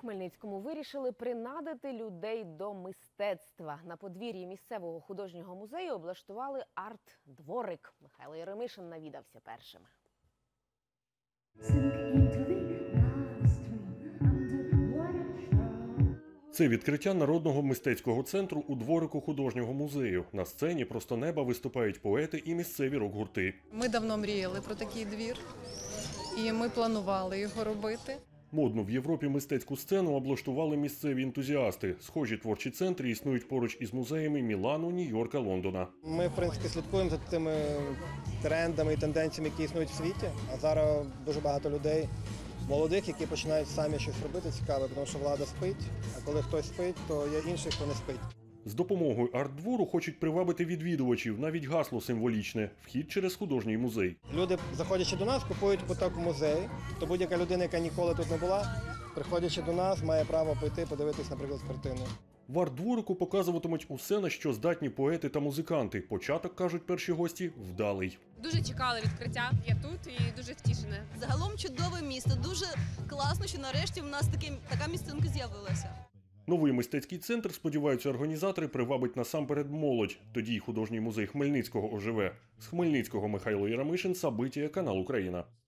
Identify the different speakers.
Speaker 1: Хмельницькому вирішили принадити людей до мистецтва. На подвір'ї місцевого художнього музею облаштували арт-дворик. Михайло Єремишин навідався першим.
Speaker 2: Це відкриття Народного мистецького центру у дворику художнього музею. На сцені просто неба виступають поети і місцеві рок-гурти.
Speaker 3: Ми давно мріяли про такий двір, і ми планували його робити.
Speaker 2: Модну в Європі мистецьку сцену облаштували місцеві ентузіасти. Схожі творчі центри існують поруч із музеями Мілану, Нью-Йорка, Лондона.
Speaker 4: Ми, в принципі, слідкуємо за тими трендами і тенденціями, які існують в світі. А зараз дуже багато людей, молодих, які починають самі щось робити цікаве, тому що влада спить, а коли хтось спить, то є інший, хто не спить.
Speaker 2: З допомогою арт-двору хочуть привабити відвідувачів, навіть гасло символічне – вхід через художній музей.
Speaker 4: Люди, заходячи до нас, купують квиток у музей, то будь-яка людина, яка ніколи тут не була, приходячи до нас, має право пойти, подивитись, наприклад, картину.
Speaker 2: В арт-дворику показуватимуть усе, на що здатні поети та музиканти. Початок, кажуть перші гості, вдалий.
Speaker 5: Дуже чекали відкриття. Я тут і дуже втішена.
Speaker 6: Загалом чудове місто. Дуже класно, що нарешті в нас така місцинка з'явилася.
Speaker 2: Новий мистецький центр, сподіваються організатори, привабить насамперед молодь. Тоді й художній музей Хмельницького оживе. З Хмельницького Михайло Єремишин, Сабитія, канал Україна.